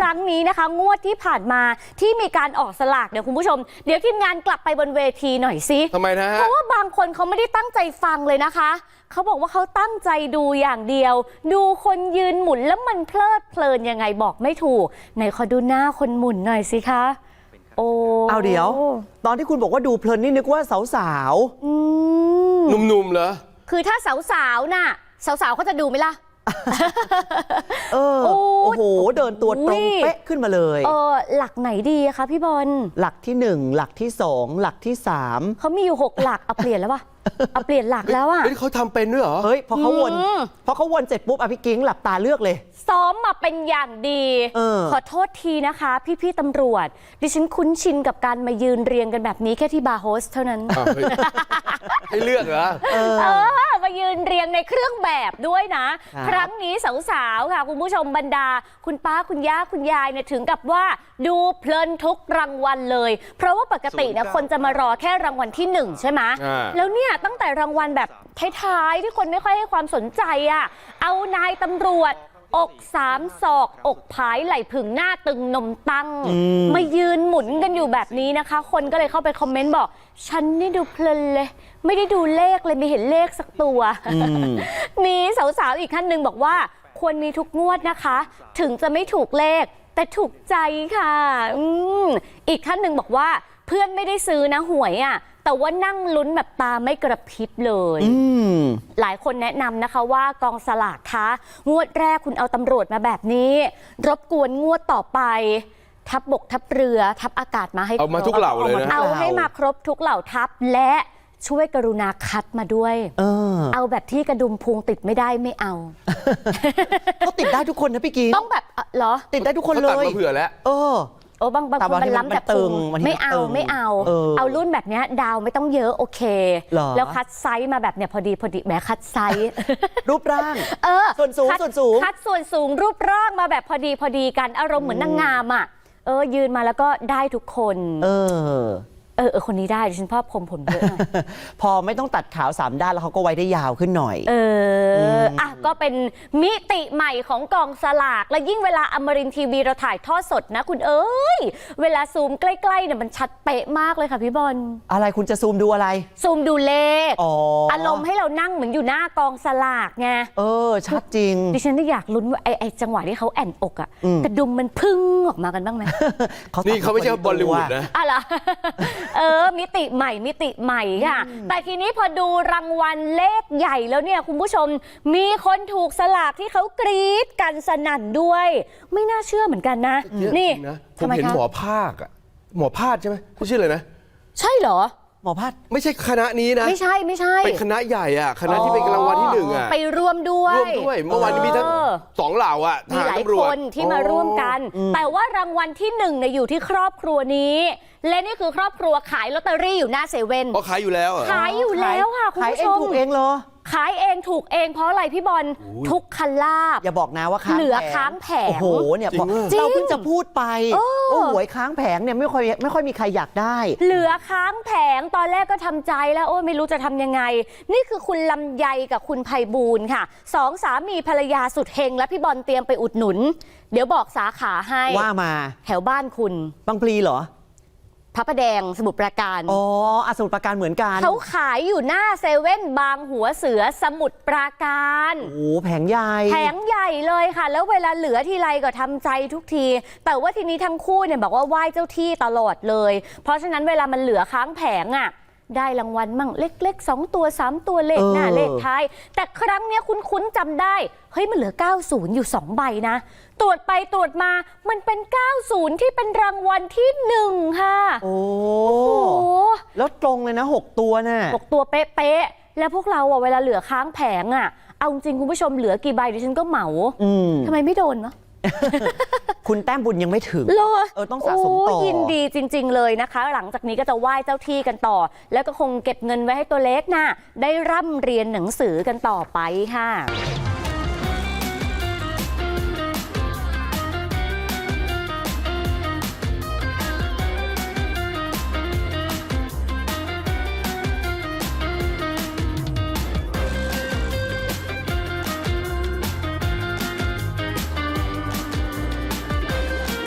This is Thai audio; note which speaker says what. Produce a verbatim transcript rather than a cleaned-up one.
Speaker 1: รั้งนี้นะคะงวดที่ผ่านมาที่มีการออกสลากเนี่ยคุณผู้ชมเดี๋ยวทีมงานกลับไปบนเวทีหน่อยสิ
Speaker 2: ทำไมนะฮะ
Speaker 1: เพราะว่าบางคนเขาไม่ได้ตั้งใจฟังเลยนะคะเขาบอกว่าเขาตั้งใจดูอย่างเดียวดูคนยืนหมุนแล้วมันเพลิดเพลินยังไงบอกไม่ถูกไหนขอดูหน้าคนหมุนหน่อยสิคะโอ้
Speaker 3: เอาเดี๋ยวตอนที่คุณบอกว่าดูเพลินนี่นึกว่าสาว
Speaker 2: ๆหนุ่มๆเหรอ
Speaker 1: คือถ้าสาวๆน่ะสาวๆเขาจะดูไหมล่ะ
Speaker 3: เออโอ้โหเดินตัวตรงเป๊ะขึ้นมาเลย
Speaker 1: เออหลักไหนดีคะพี่บอล
Speaker 3: หลักที่หนึ่งหลักที่สองหลักที่สาม
Speaker 1: เขามีอยู่หกหลักเอาเปลี่ยนแล้ววะเอาเปลี่ยนหลักแล้วอ่ะ
Speaker 2: เขาทำเป็นด้วยเหรอ
Speaker 3: เฮ้ยพอเขาวนพอเขาวนเสร็จปุ๊บอภิกิ้งหลับตาเลือกเลย
Speaker 1: ซ้อมมาเป็นอย่างดีขอโทษทีนะคะพี่ๆตำรวจดิฉันคุ้นชินกับการมายืนเรียงกันแบบนี้แค่ที่บาร์โฮสเท่านั้น
Speaker 2: ให้เลือกเหรอ
Speaker 1: เออมายืนเรียงในเครื่องแบบด้วยนะครั้งนี้สาวๆค่ะคุณผู้ชมบรรดาคุณป้าคุณย่าคุณยายเนี่ยถึงกับว่าดูเพลินทุกรางวัลเลยเพราะว่าปกติเนี่ยคนจะมารอแค่รางวัลที่หนึ่งใช่ไหมแล้วเนี่ยตั้งแต่รางวัลแบบท้ายๆที่คนไม่ค่อยให้ความสนใจอ่ะเอานายตำรวจอกสามศอกอกผายไหล่ผึ่งหน้าตึงนมตั้งมายืนหมุนกันอยู่แบบนี้นะคะคนก็เลยเข้าไปคอมเมนต์บอกฉันนี่ดูเพลินเลยไม่ได้ดูเลขเลยไม่เห็นเลขสักตัวมีสาวๆอีกท่านหนึ่งบอกว่าควรมีทุกงวดนะคะถึงจะไม่ถูกเลขแต่ถูกใจค่ะอืมอีกท่านหนึ่งบอกว่าเพื่อนไม่ได้ซื้อนะหวยอ่ะแต่ว่านั่งลุ้นแบบตาไม่กระพริบเลยหลายคนแนะนำนะคะว่ากองสลากคะงวดแรกคุณเอาตำรวจมาแบบนี้รบกวนงวดต่อไปทัพบกทัพเรือทัพอากาศมาให้
Speaker 2: เอามาทุกเหล่าเลยนะ
Speaker 1: เอาให้มาครบทุกเหล่าทัพและช่วยกรุณาคัดมาด้วยเออเอาแบบที่กระดุมพุงติดไม่ได้ไม่เอา
Speaker 3: เขาติดได้ทุกคนนะพี่กิ๊ก
Speaker 1: ต้องแบบเหรอ
Speaker 3: ติดได้ทุกคนเลย
Speaker 2: ตัดมาเผื่อแล้ว
Speaker 3: เออ
Speaker 1: โอ้บางบางคนมันล้ำแบบตึงไม่เอาไม่เอาเอารุ่นแบบนี้ดาวไม่ต้องเยอะโอเคแล้วคัดไซส์มาแบบเนี้ยพอดีพอดีแหมคัดไซส์
Speaker 3: รูปร่าง
Speaker 1: เออ
Speaker 3: ส่วนสูงส่วนสูง
Speaker 1: คัดส่วนสูงรูปร่างมาแบบพอดีพอดีกันอารมณ์เหมือนนางงามอ่ะเออยืนมาแล้วก็ได้ทุกคน
Speaker 3: เออ
Speaker 1: เออเออคนนี้ได้ดิฉันชอบผมผมเยอะหน่อย
Speaker 3: พอไม่ต้องตัดขาวสามด้านแล้วเขาก็ไว้ได้ยาวขึ้นหน่อย
Speaker 1: เอออ่ะก็เป็นมิติใหม่ของกองสลากและยิ่งเวลาอมรินทร์ทีวีเราถ่ายทอดสดนะคุณเอ้ยเวลาซูมใกล้ๆเนี่ยมันชัดเป๊ะมากเลยค่ะพี่บอล
Speaker 3: อะไรคุณจะซูมดูอะไร
Speaker 1: ซูมดูเลข
Speaker 3: อ๋อ
Speaker 1: อารมณ์ให้เรานั่งเหมือนอยู่หน้ากองสลากไง
Speaker 3: เออชัดจริง
Speaker 1: ดิฉันได้อยากลุ้นว่าไอ้ไอ้จังหวะที่เขาแอนอกอ่ะกระดุมมันพึ่งออกมากันบ้างไหม
Speaker 2: นี่เขาไม่ใช่บอลลีวูดนะ
Speaker 1: อะไรเออมิติใหม่มิติใหม่ค่ะแต่ทีนี้พอดูรางวัลเลขใหญ่แล้วเนี่ยคุณผู้ชมมีคนถูกสลากที่เขากรี๊ดกันสนั่นด้วยไม่น่าเชื่อเหมือนกันนะนี่
Speaker 2: ผมเห็นหมอภาคอะหมอภาคใช่ไหมเขาชื่ออะไรนะ
Speaker 1: ใช่เหรอ
Speaker 3: หมอภาค
Speaker 2: ไม่ใช่คณะนี้นะ
Speaker 1: ไม่ใช่ไม่ใช่
Speaker 2: เป็นคณะใหญ่อะคณะที่เป็นรางวัลที่หนึ่งอะ
Speaker 1: ไปร่วมด้วย
Speaker 2: ร่วมด้วยเมื่อวานมีทั้งสองเหล่าอะ
Speaker 1: มีหลายคนที่มาร่วมกันแต่ว่ารางวัลที่หนึ่งเนี่ยอยู่ที่ครอบครัวนี้และนี่คือครอบครัวขายลอตเตอรี่อยู่หน้าเซเว่น
Speaker 2: ก็ขายอยู่แล้ว
Speaker 1: ขายอยู่แล้วค่ะคุณผู้ชม
Speaker 3: ขายเองถูกเองเหรอ
Speaker 1: ขายเองถูกเองเพราะอะไรพี่บอลทุกคันลาบ
Speaker 3: อย่าบอกนะว่าค้าง
Speaker 1: เหลือค้างแผง
Speaker 3: โอ้โหเนี่ยเราเพิ่งจะพูดไปว่าหวยค้างแผงเนี่ยไม่ค่อยไม่ค่อยมีใครอยากได้
Speaker 1: เหลือค้างแผงตอนแรกก็ทำใจแล้วโอ้ไม่รู้จะทำยังไงนี่คือคุณลำไยกับคุณไพบูลย์ค่ะสองสามีภรรยาสุดเฮงและพี่บอลเตรียมไปอุดหนุนเดี๋ยวบอกสาขาให้
Speaker 3: ว่ามา
Speaker 1: แถวบ้านคุณ
Speaker 3: บางพลีเหรอ
Speaker 1: พระประแดงสมุทรปราการ
Speaker 3: อ๋อสมุทรปราการเหมือนกัน
Speaker 1: เขาขายอยู่หน้าเซเว่นบางหัวเสือสมุทรปราการ
Speaker 3: โอ้แผงใหญ่
Speaker 1: แผงใหญ่เลยค่ะแล้วเวลาเหลือทีไรก็ทำใจทุกทีแต่ว่าทีนี้ทั้งคู่เนี่ยบอกว่าไหว้เจ้าที่ตลอดเลยเพราะฉะนั้นเวลามันเหลือค้างแผงอ่ะได้รางวัลมั่งเล็กๆสองตัวสามตัวเลขหน้าเลขท้ายแต่ครั้งนี้คุ้นๆจำได้เฮ้ยมันเหลือเก้าสิบอยู่สองใบนะตรวจไปตรวจมามันเป็นเก้าสิบที่เป็นรางวัลที่หนึ่งค่ะ
Speaker 3: โอ้แล้วตรงเลยนะหกตัวน่ะ
Speaker 1: หกตัวเป๊ะๆแล้วพวกเราอ่ะเวลาเหลือค้างแผงอ่ะเอาจริงคุณผู้ชมเหลือกี่ใบดิฉันก็เหมาทำไมไม่โดนวะ
Speaker 3: คุณแต้มบุญยังไม่ถึงเออต้องสะสมต่อ
Speaker 1: ยินดีจริงๆเลยนะคะหลังจากนี้ก็จะไหว้เจ้าที่กันต่อแล้วก็คงเก็บเงินไว้ให้ตัวเล็กน่ะได้ร่ำเรียนหนังสือกันต่อไปค่ะ